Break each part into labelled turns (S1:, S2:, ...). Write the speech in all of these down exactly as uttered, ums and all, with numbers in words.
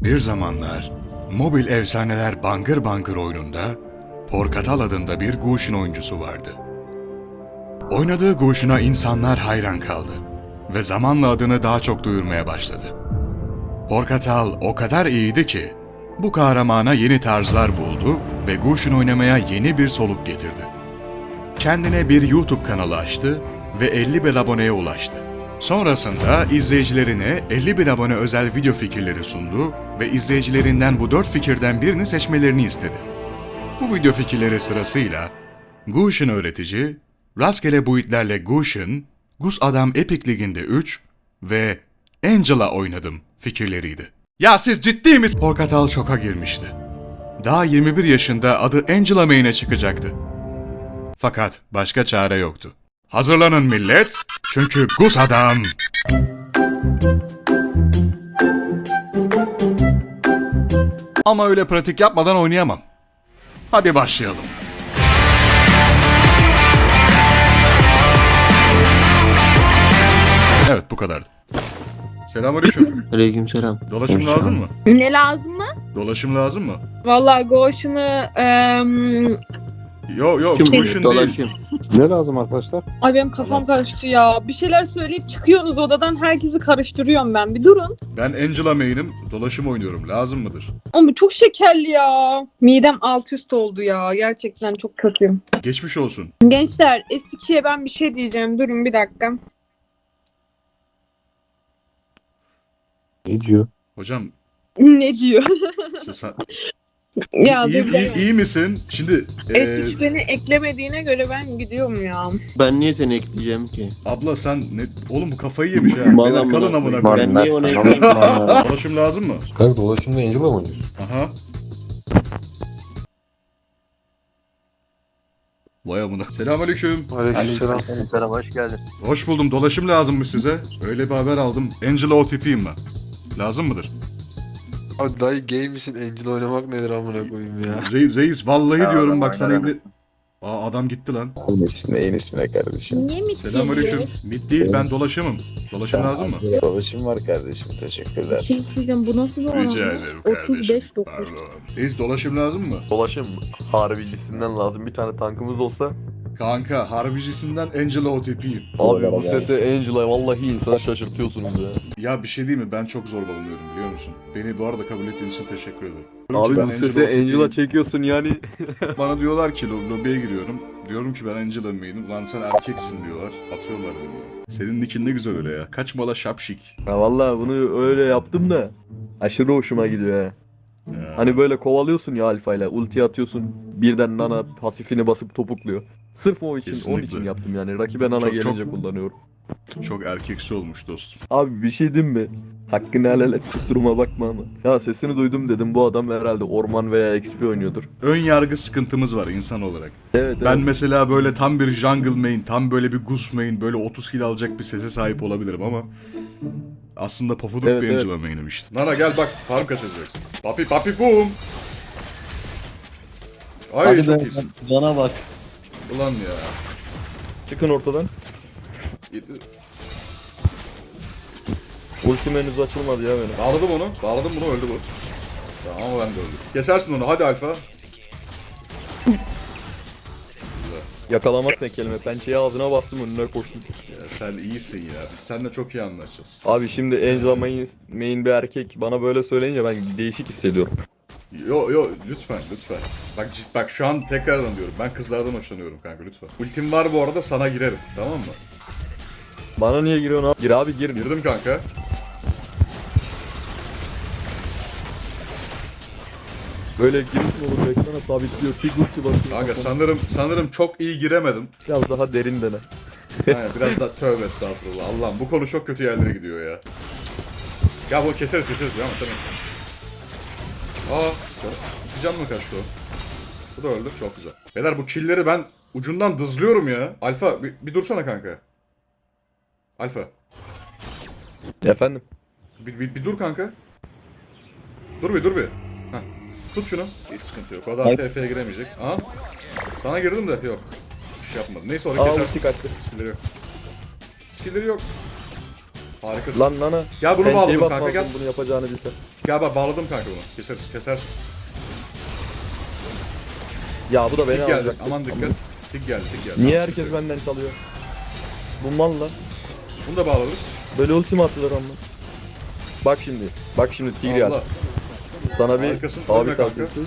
S1: Bir zamanlar Mobil Efsaneler Bangır Bangır oyununda Porkatal adında bir Gush'un oyuncusu vardı. Oynadığı Gush'una insanlar hayran kaldı ve zamanla adını daha çok duyurmaya başladı. Porkatal o kadar iyiydi ki bu kahramana yeni tarzlar buldu ve Gush'un oynamaya yeni bir soluk getirdi. Kendine bir YouTube kanalı açtı ve elli bin aboneye ulaştı. Sonrasında izleyicilerine elli bin abone özel video fikirleri sundu ve izleyicilerinden bu dört fikirden birini seçmelerini istedi. Bu video fikirleri sırasıyla Gush'un öğretici, rastgele buitlerle Gush'un, Gus Adam Epic Ligi'nde üç ve Angela oynadım fikirleriydi. Ya siz ciddi misiniz? Porkatal şoka girmişti. Daha yirmi bir yaşında adı Angela Main'e çıkacaktı. Fakat başka çare yoktu. Hazırlanın millet, çünkü Gus Adam... Ama öyle pratik yapmadan oynayamam. Hadi başlayalım. Evet, bu kadardı. Selamünaleyküm.
S2: Aleykümselam.
S1: Dolaşım
S2: Hoş
S1: lazım
S2: geldin.
S1: mı?
S3: Ne lazım mı?
S1: Dolaşım lazım mı?
S3: Vallahi Goş'unu eee
S1: Yo yo,
S2: Kim
S1: Gush'un değil.
S2: dolaşayım?
S4: Ne lazım arkadaşlar?
S3: ay benim kafam karıştı ya. Bir şeyler söyleyip çıkıyorsunuz odadan, herkesi karıştırıyorum ben. Bir durun.
S1: Ben Angela Main'im, dolaşım oynuyorum. Lazım mıdır?
S3: Ama çok şekerli ya. Midem alt üst oldu ya. Gerçekten çok kötüyüm.
S1: Geçmiş olsun.
S3: Gençler, S ikiye ben bir şey diyeceğim. Durun bir dakika.
S4: Ne diyor?
S1: Hocam,
S3: Ne diyor?
S1: sen, sen-
S3: ya
S1: iyi,
S3: dur
S1: iyi,
S3: deme.
S1: iyi misin? Şimdi
S3: S
S1: e,
S3: üç beni eklemediğine göre ben gidiyorum ya.
S2: Ben niye seni ekleyeceğim ki?
S1: abla sen ne oğlum, bu kafayı yemiş ha.
S2: Vallahi
S1: Beyler kalın
S2: amına
S1: amına
S2: koyayım.
S1: koyayım.
S2: Ben niye ona ekleyeyim?
S1: Dolaşım lazım mı?
S4: Kanka dolaşımda Angela mı oynuyorsun?
S1: Aha. Vay amına. Selamünaleyküm.
S4: Aleykümselam.
S2: Selam, hoş geldin.
S1: Hoş buldum. Dolaşım lazım mı size? Öyle bir haber aldım. Angela O T P'yim ben. Lazım mıdır?
S5: Abi dayı gay misin? Angel oynamak nedir amına koyayım ya?
S1: Re- reis vallahi
S2: Ya
S1: diyorum
S2: adam
S1: bak sana
S2: oynar
S1: ibne... Aa adam gitti lan.
S6: Neyin ismine, neyin ismine kardeşim?
S3: Niye mi
S1: Selamünaleyküm. Mid değil, ben dolaşımım. Dolaşım lazım mı?
S6: Dolaşım var kardeşim, teşekkürler.
S3: Şey söyleyeceğim, bu nasıl bir oran?
S1: Rica ederim kardeşim.
S3: otuz beş dokuz.
S1: Pardon. Reis dolaşım lazım mı?
S7: Dolaşım harbicisinden lazım. Bir tane tankımız olsa.
S1: Kanka harbicisinden Angela O T P'yim.
S7: Abi bu sese Angela vallahi insanı şaşırtıyorsunuz ya.
S1: Ya bir şey değil mi? Ben çok zorbalanıyorum biliyor musun? Beni bu arada kabul ettiğin için teşekkür ederim. Diyorum
S7: Abi
S1: ki ben
S7: bu
S1: Angela
S7: sese
S1: O T P'yim.
S7: Angela çekiyorsun yani.
S1: Bana diyorlar ki lo- lobiye giriyorum. Diyorum ki ben Angela Main'im. Lan sen erkeksin diyorlar. Atıyorlar beni. Senin nickin ne güzel öyle ya. Kaç mala şapşik.
S7: Ha vallahi bunu öyle yaptım da aşırı hoşuma gidiyor ya.
S1: Ya.
S7: Hani böyle kovalıyorsun ya alfayla, ulti atıyorsun, birden nana pasifini basıp topukluyor. Sırf o için, onun
S1: Kesinlikle.
S7: için yaptım yani. Rakibe nana
S1: Çok-
S7: gelince
S1: çok-
S7: kullanıyorum.
S1: Çok erkeksi olmuş dostum.
S7: Abi bir şey diyeyim mi? Hakkını helal et, kusuruma bakma ama. Ya sesini duydum dedim, bu adam herhalde orman veya X P oynuyordur.
S1: Ön yargı sıkıntımız var insan olarak.
S7: Evet,
S1: Ben
S7: evet.
S1: mesela böyle tam bir jungle main, tam böyle bir goose main, böyle otuz kill alacak bir sese sahip olabilirim ama aslında pofuduk
S7: Evet,
S1: bir
S7: evet.
S1: Angela main'im işte. Nana gel bak, farm kaçacaksın. Papi papi boom. Ay çok iyisin.
S7: Bana bak.
S1: Ulan ya.
S7: Çıkın ortadan. Ultim henüz açılmadı ya benim.
S1: Bağladım onu, bağladım bunu, öldü bu. Tamam ama ben de öldüm. Kesersin onu, hadi alfa. Güzel.
S7: Yakalamak ne kelime? Pençeyi ağzına bastım, önüne koştum.
S1: Ya sen iyisin ya, biz seninle çok iyi anlaşacağız.
S7: Abi şimdi Angela main, main bir erkek bana böyle söyleyince ben değişik hissediyorum.
S1: Yo yo lütfen lütfen. Bak cid, bak şu an tekrardan diyorum. Ben kızlardan hoşlanıyorum kanka lütfen. Ultim var bu arada, sana girerim tamam mı?
S7: Bana niye giriyorsun abi? Gir abi gir.
S1: Girdim kanka.
S7: Böyle giriş mi olur? Ekrana sabitliyor. Tig ulti basıyor.
S1: Kanka sanırım sanırım çok iyi giremedim.
S7: Biraz daha derin dene.
S1: Yani biraz da tövbe estağfurullah. Allah'ım bu konu çok kötü yerlere gidiyor ya. Ya bu keseriz keseriz ya ama tamam. Aa canım. Bir can mı kaçtı o? Bu da öldü, çok güzel. Beyler bu çilleri ben ucundan dızlıyorum ya. Alfa bir, bir dursana kanka. Alfa.
S7: Efendim?
S1: Bir, bir, bir dur kanka. Dur bir dur bir. Heh. Tut şunu. Hiç sıkıntı yok. O da T F'ye giremeyecek. Aa. Sana girdim de yok. Bir şey yapmadım. Neyse onu
S7: Aa,
S1: kesersin.
S7: ulti kaçtı.
S1: Skill'leri yok. Skill'leri yok. Harikasın.
S7: Lan nana.
S1: Gel bunu
S7: Pençeyi
S1: bağladım kanka
S7: basmazdım
S1: gel.
S7: bunu yapacağını bilsem.
S1: Gel bak bağladım kanka bunu. Keseriz kesersin.
S7: Ya bu da beni
S1: Tik geldi.
S7: alacak.
S1: Aman dikkat. Tik geldi tik geldi.
S7: Niye
S1: Tamam,
S7: herkes
S1: sıkıntı yok.
S7: benden çalıyor? Bu malla.
S1: Bunu da bağlarız.
S7: Böyle ultim attılar ama. Bak şimdi. Bak şimdi Tigreal.
S1: Allah.
S7: Sana bir
S1: Harikasın,
S7: abi
S1: ölme kanka.
S7: tavsiyesi.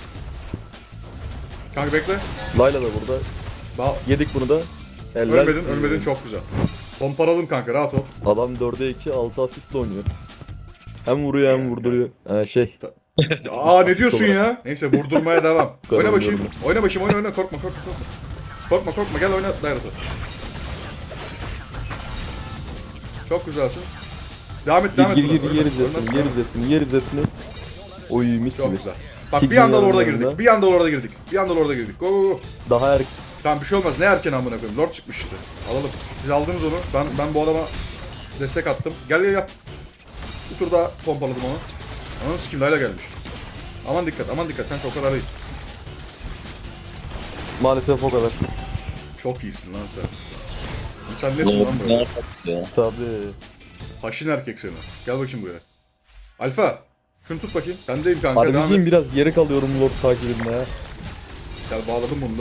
S1: Kanka bekle.
S7: Layla da burada.
S1: Ba
S7: Yedik bunu da. Eller.
S1: ölmedin ölmedin çok güzel. Pomparalım kanka rahat ol.
S7: Adam dörde iki altı asistle oynuyor. Hem vuruyor hem vurduruyor. Ee, şey.
S1: Aa ne diyorsun ya? Neyse vurdurmaya devam.
S7: Kadar
S1: Oyna bakayım.
S7: vurdurma.
S1: Oyna bakayım oyna oyna korkma korkma korkma. Korkma korkma gel oyna Dairat'ı. Çok güzelsin. Devam et devam
S7: Gir
S1: et.
S7: gir
S1: buna.
S7: gir yer
S1: Ölme,
S7: izzetini,
S1: ölmezsin,
S7: yer
S1: ölme.
S7: izzetini, yer izzetini. Oy mis
S1: Çok
S7: gibi.
S1: güzel. Bak
S7: Tik
S1: bir anda
S7: geliyor
S1: orada
S7: yanında.
S1: girdik. Bir anda orada girdik. Bir anda orada girdik. Go go go.
S7: Daha er
S1: Tamam bir şey olmaz. Ne erken amına koyayım. Lord çıkmış işte. Alalım. Siz aldınız onu. Ben ben bu adama destek attım. Gel gel yap. Bir tur daha pompaladım onu. Ananı sikim Layla gelmiş. Aman dikkat aman dikkat kanka o kadar değil.
S7: maalesef o kadar.
S1: Çok iyisin lan sen. Oğlum sen nesin lan böyle?
S7: Tabii.
S1: Haşin erkek seni. Gel bakayım buraya. Alfa. Şunu tut bakayım. Sendeyim kanka. Devam
S7: Harbiciyim
S1: et.
S7: biraz geri kalıyorum Lord takibinde ya.
S1: Gel bağladım bunu da.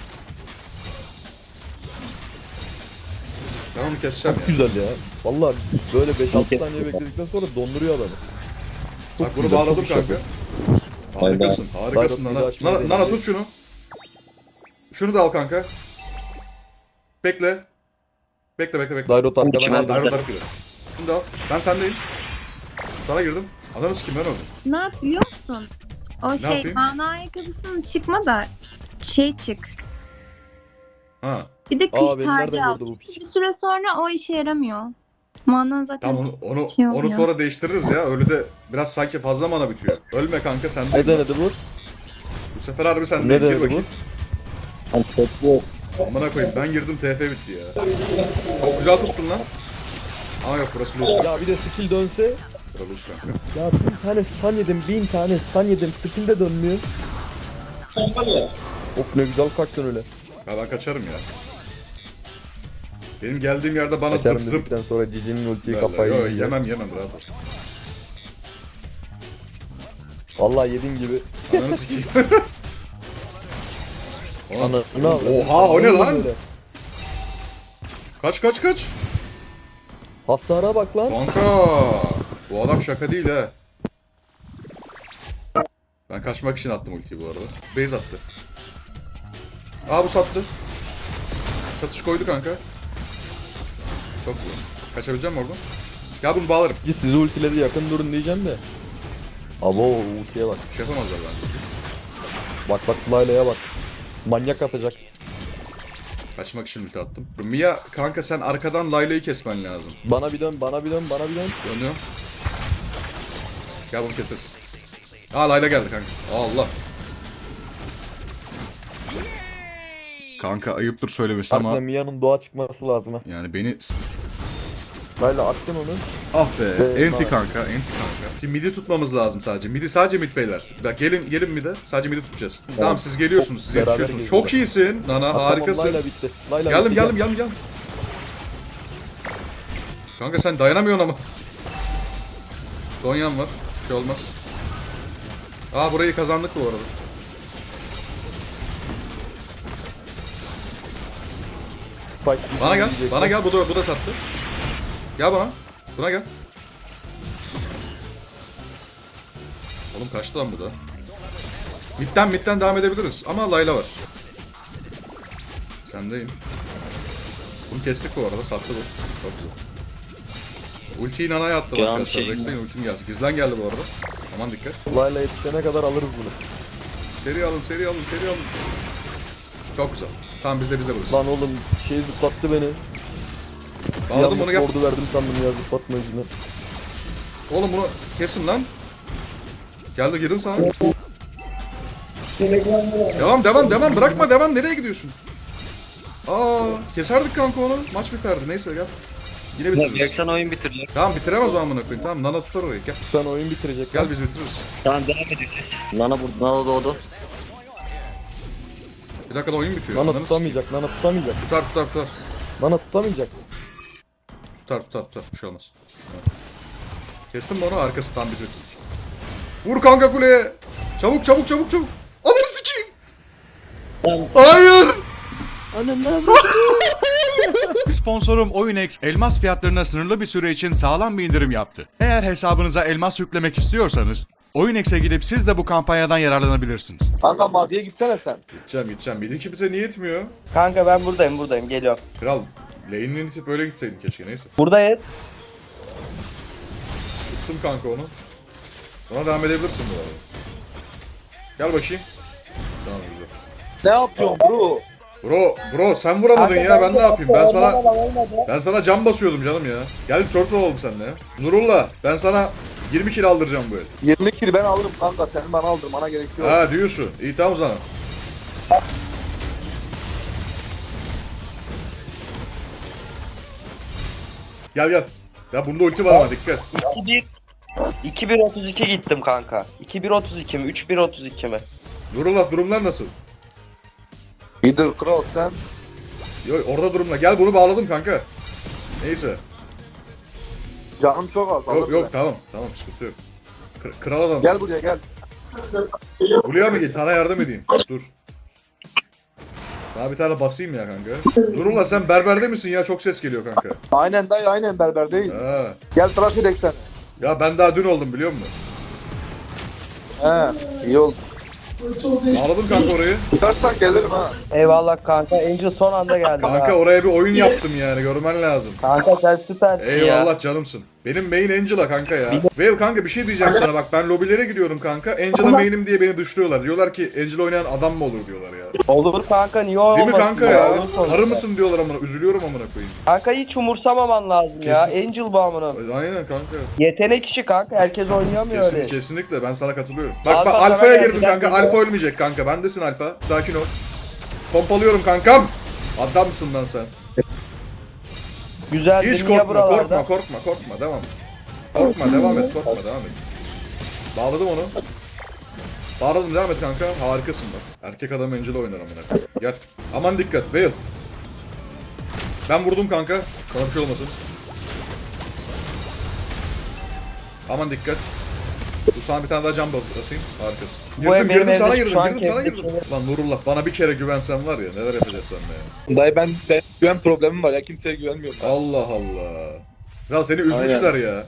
S1: Ben onu keseceğim
S7: Çok
S1: ya.
S7: güzel ya. Vallahi böyle beş altı saniye bekledikten sonra donduruyor adamı. Çok
S1: Bak bunu
S7: güzel,
S1: bağladım
S7: çok
S1: kanka.
S7: güzel.
S1: Harikasın. Harikasın
S7: Bayrak
S1: Nana.
S7: bir daha
S1: Nana,
S7: şey
S1: Nana
S7: değil.
S1: tut şunu. Şunu da al kanka. Bekle. Bekle bekle bekle.
S7: Dairot arkadan
S1: Tamam,
S7: aldı.
S1: Dairot arıp gidelim. Şunu da al. Ben sendeyim. Sana girdim. Ananı sikim ben öldüm.
S8: Ne yap biliyor musun? O şey
S1: yapayım?
S8: mana ayakkabısının çıkma da şey çık.
S1: Ha.
S8: Bir de
S7: Aa,
S8: kış
S7: beni
S8: tacı
S7: nereden
S8: al.
S7: gördü bu piç?
S8: Bir süre sonra o işe yaramıyor. Mana zaten
S1: Tamam onu onu
S8: Şey
S1: onu
S8: olmuyor.
S1: sonra değiştiririz ya. Öyle de biraz sanki fazla mana bitiyor. Ölme kanka sen
S7: Ne
S1: de.
S7: denedi bu?
S1: Bu sefer harbi sen
S7: Ne
S1: de gir
S7: denedi bu?
S1: bakayım. Amına koyayım ben girdim T F bitti ya. Çok güzel tuttun lan. Aa yok burası loose.
S7: Ya bir de skill dönse.
S1: Burası loose kanka.
S7: Ya bin tane stun yedim, bin tane stun yedim. Skill de dönmüyor. Of ne güzel kalktın öyle.
S1: Ya ben kaçarım ya. Benim geldiğim yerde bana
S7: Kaçarım
S1: zıp zıp.
S7: dedikten sonra Cici'nin ultiyi
S1: derler.
S7: kafayı
S1: Yo,
S7: yiyecek.
S1: yemem yemem rahat ol.
S7: Vallahi yediğin gibi.
S1: Ananı sikeyim. Oğlum,
S7: Ana, ne yapıyorsun?
S1: Oha o ne lan?
S7: Böyle.
S1: Kaç kaç kaç.
S7: Hasara bak lan.
S1: Kanka. Bu adam şaka değil ha. Ben kaçmak için attım ultiyi bu arada. Base attı. Aa bu sattı. Satış koydu kanka. Çok güzel. Kaçabileceğim mi oradan? Gel bunu bağlarım.
S7: Git sizi ultiledi yakın durun diyeceğim de. Abo ultiye bak.
S1: Bir şey yapamazlar bence.
S7: Bak bak Layla'ya bak. Manyak atacak.
S1: Kaçmak için ulti attım. Mia kanka sen arkadan Layla'yı kesmen lazım.
S7: Bana bir dön, bana bir dön, bana bir dön.
S1: Dönüyorum. Gel bunu keseriz. Aa Layla geldi kanka. Allah. Kanka ayıptır söylemesi
S7: Aslında
S1: ama
S7: Mia'nın doğa çıkması lazım ha.
S1: yani beni
S7: Layla attın onu.
S1: ah be
S7: Be-
S1: enti
S7: bak.
S1: kanka enti kanka. Şimdi midi tutmamız lazım sadece. Midi sadece mid beyler. Bak gelin gelin mide sadece midi tutacağız. Tamam siz geliyorsunuz siz
S7: Beraber
S1: yetişiyorsunuz.
S7: geliyorlar.
S1: Çok iyisin Nana
S7: Ha,
S1: harikasın.
S7: Tamam, Layla bitti. Layla
S1: Geldim
S7: bitti.
S1: geldim geldim geldim. Kanka sen dayanamıyorsun ama. Zonya'm var. Bir şey olmaz. Aa burayı kazandık bu arada.
S7: Spike
S1: Bana gel.
S7: diyecek.
S1: Bana gel. Bu da bu da sattı. Gel bana. Buna gel. Oğlum kaçtı lan bu da. Midden midden devam edebiliriz ama Layla var. Sendeyim. Bunu kestik bu arada. Sattı bu. Çok güzel. Ultiyi Nana'ya attım
S9: Can
S1: arkadaşlar.
S9: şey-
S1: Bekleyin ultim gelsin. Gizlen geldi bu arada. Aman dikkat.
S7: Layla yetişene kadar alırız bunu.
S1: Seri alın, seri alın, seri alın. Çok güzel. Tamam bizde bizde burası.
S7: Lan oğlum şey zıplattı beni.
S1: Bağladım onu gel.
S7: Ordu verdim sandım ya zıplatma yüzünden.
S1: Oğlum bunu kesin lan. Geldi girdim sana. Devam devam devam bırakma devam nereye gidiyorsun? Aa keserdik kanka onu. Maç biterdi neyse gel. Yine bitiririz.
S9: Bıraksan oyun bitirecek.
S1: Tamam bitiremez o amına koyayım. Tamam Nana tutar orayı gel.
S7: Sen oyun bitirecek.
S1: Gel biz bitiririz.
S9: Tamam devam edeceğiz. Nana burada. Nana doğdu.
S1: Bir dakikada oyun bitiyor.
S7: Nana
S1: Ananı
S7: tutamayacak, Nana tutamayacak.
S1: s- Tutar tutar tutar.
S7: Nana tutamayacak.
S1: Tutar tutar tutar. Bir şey olmaz. Tamam. Kestim mi onu arkası tam biz bitirdik. Vur kanka kuleye. Çabuk çabuk çabuk çabuk. Ananı sikeyim. Hayır. Sponsorum OyunX elmas fiyatlarına sınırlı bir süre için sağlam bir indirim yaptı. Eğer hesabınıza elmas yüklemek istiyorsanız OyunX'e gidip siz de bu kampanyadan yararlanabilirsiniz.
S6: Kanka maviye gitsene sen.
S1: Gideceğim gideceğim. Bir de kimse niye etmiyor?
S10: Kanka ben buradayım buradayım geliyorum.
S1: Kral lane'ini itip böyle gitseydin keşke neyse.
S10: Buradayız.
S1: Tuttum kanka onu. Ona devam edebilirsin bu arada. Gel bakayım. Tamam güzel.
S6: Ne yapıyorsun bro?
S1: Bro, bro sen vuramadın ya ben ne yapayım? Ben sana ben sana cam basıyordum canım ya. Gel bir turtle olalım seninle ya. Nurullah ben sana yirmi kill aldıracağım bu el.
S6: yirmi kill ben alırım kanka. Senin bana aldırmana gerek yok.
S1: Ha diyorsun. İyi tamam o zaman. Gel gel. Ya bunda ulti var ama dikkat.
S10: iki bir iki bir otuz iki gittim kanka. iki bir otuz iki mi? üç bir otuz iki mi?
S1: Nurullah durumlar nasıl?
S6: İyidir kral sen.
S1: Yo, orada durumla. Gel bunu bağladım kanka. Neyse.
S6: Canım çok az.
S1: Yok
S6: alırım
S1: yok
S6: ben.
S1: tamam. Tamam sıkıntı yok. Kır- kral adamsın.
S6: Gel buraya gel.
S1: Buraya mı git? Sana yardım edeyim. Dur. Daha bir tane basayım ya kanka. Nurullah sen berberde misin ya? Çok ses geliyor kanka.
S6: Aynen dayı aynen berberdeyiz.
S1: Ha.
S6: Gel tıraş edek sen.
S1: Ya ben daha dün oldum biliyor musun?
S6: He iyi oldu.
S1: Bağladım kanka orayı.
S6: Tutarsan gelirim ha.
S10: Eyvallah kanka. Angel son anda geldi.
S1: Kanka oraya bir oyun yaptım yani görmen lazım.
S10: Kanka sen süpersin ya.
S1: Eyvallah canımsın. Benim main Angela kanka ya. Vale kanka bir şey diyeceğim sana bak ben lobilere gidiyorum kanka. Angela main'im diye beni dışlıyorlar. Diyorlar ki Angela oynayan adam mı olur diyorlar ya.
S10: Olur kanka niye olmasın?
S1: Değil mi kanka ya?
S10: Olur sonuçta.
S1: Karı mısın diyorlar amına. Üzülüyorum amına koyayım.
S10: Kanka hiç umursamaman lazım ya.
S1: Kesin.
S10: Angel bu amına.
S1: Aynen kanka.
S10: Yetenek işi kanka. Herkes oynayamıyor
S1: Kesin,
S10: öyle.
S1: kesinlikle ben sana katılıyorum. Bak
S10: Alfa
S1: bak
S10: sana
S1: alfaya
S10: geldi,
S1: girdim
S10: gel
S1: kanka.
S10: geliyor.
S1: Alfa ölmeyecek kanka. Bendesin alfa. Sakin ol. Pompalıyorum kankam. Adamsın lan sen.
S10: Güzel
S1: Hiç
S10: dünya
S1: korkma,
S10: buralarda.
S1: korkma, korkma, korkma. Devam. Korkma, devam et, korkma, devam et. Bağladım onu. Bağladım, devam et kanka. Harikasın bak. Erkek adam Angela oynar amına koyayım. Gel. Aman dikkat, Vale. Ben vurdum kanka. Sana bir şey olmasın. Aman dikkat. Bu sana bir tane daha cam basayım. Harikasın.
S10: Bu
S1: Girdim,
S10: ev benim
S1: girdim
S10: evde
S1: sana
S10: şu
S1: girdim,
S10: an
S1: girdim sana
S10: kendi
S1: girdim. Lan Nurullah bana bir kere güvensen var ya neler yapacağız seninle ya.
S6: Dayı ben, ben güven problemim var ya kimseye güvenmiyorum. Ben.
S1: Allah Allah. Ya seni üzmüşler ya.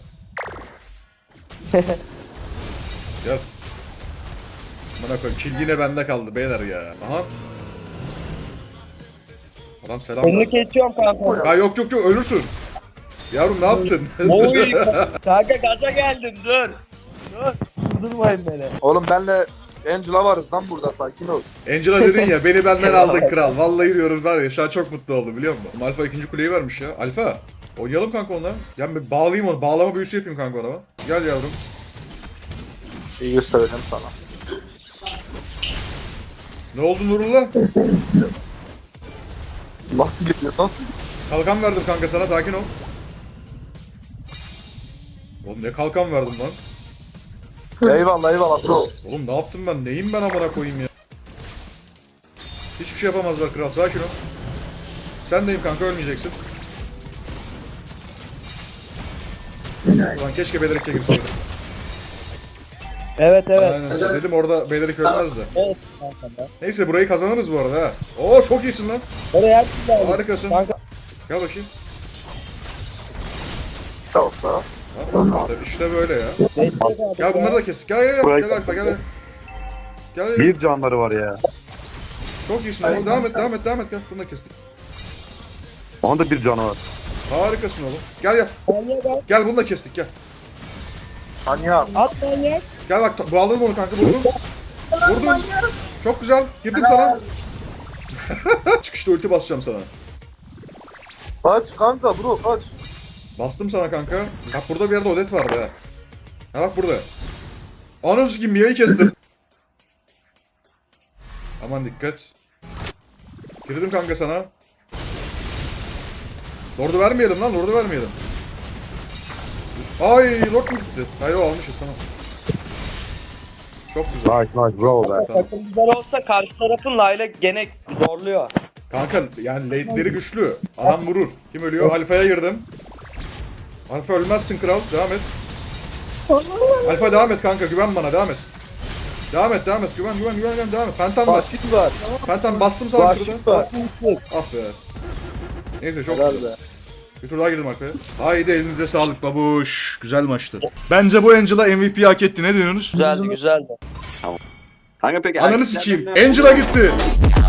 S1: Gel. Bana koyayım. Kill yine bende kaldı beyler ya. Aha. Adam selam
S10: Önünü
S1: ver.
S10: kesiyorum kanka.
S1: Ya yok yok yok ölürsün. Yavrum ne yaptın?
S10: Oy. Kanka gaza geldim dur. Dur. Durdurmayın beni.
S6: Oğlum benle Angela varız lan burada sakin ol.
S1: Angela dedin ya beni benden aldın kral. Vallahi diyorum var ya şu an çok mutlu oldum biliyor musun? Alfa ikinci kuleyi vermiş ya. Alfa. Oynayalım kanka onunla. Gel bir bağlayayım onu. Bağlama büyüsü yapayım kanka ona. Gel yavrum.
S6: İyi göstereceğim sana.
S1: Ne oldu Nurullah?
S6: Nasıl gidiyor nasıl?
S1: Kalkan verdim kanka sana sakin ol. Oğlum ne kalkan verdim lan?
S6: Eyvallah eyvallah bro.
S1: Oğlum ne yaptım ben? Neyim ben amına koyayım ya? Hiçbir şey yapamazlar kral sakin ol. Sen deyim kanka ölmeyeceksin. Ulan keşke Belerik'e girseydim.
S10: Evet evet.
S1: Aynen. Dedim orada Belerik ölmez de.
S10: Evet kanka.
S1: Neyse burayı kazanırız bu arada ha. Oo çok iyisin lan.
S10: Oraya her şey geldi.
S1: Harikasın.
S10: Kanka.
S1: Gel bakayım.
S6: Tamam tamam.
S1: Ha, işte, işte böyle ya. Gel bunları da kestik. Gel gel gel. Gel Alfa gel. Gel. Gel.
S6: Bir canları var ya.
S1: Çok iyisin oğlum. Devam et devam et devam et. Gel bunu da kestik.
S6: Onun da bir canı var.
S1: Harikasın oğlum. Gel gel. Gel bunu da kestik gel.
S6: Anya.
S10: At manyak.
S1: Gel bak bağladım onu kanka vurdum. Vurdum. Çok güzel. Girdim sana. Çıkışta ulti basacağım sana.
S6: Kaç kanka bro kaç.
S1: Bastım sana kanka. Bak burada bir yerde Odet vardı ha. Ha bak burada. Anons gibi Mia'yı kestim. Aman dikkat. Girdim kanka sana. Lord'u vermeyelim lan, Lord'u vermeyelim. Ay, Lord mu gitti? Hayır o almışız tamam. Çok güzel.
S6: Nice nice bro be.
S1: Tamam.
S10: Takım güzel olsa karşı tarafın Layla gene zorluyor.
S1: Kanka yani late'leri güçlü. Adam vurur. Kim ölüyor? Alfa'ya girdim. Alfa ölmezsin kral. Devam et.
S11: Alfa devam et kanka, güven bana, devam et. Devam et, devam et, güven, güven, güven, güven, devam et. Pentam var.
S6: Vahşit var.
S11: Pentam bastım sana
S6: Vahşit
S11: şurada.
S6: var.
S11: Ah be. Neyse çok
S6: Helal
S11: güzel.
S6: be.
S11: Bir tur daha girdim arkaya. Haydi elinize sağlık babuş. Güzel maçtı. Bence bu Angela M V P hak etti. Ne diyorsunuz?
S10: Güzeldi güzeldi.
S6: Kanka peki
S11: Ananı sikeyim. Angela gitti.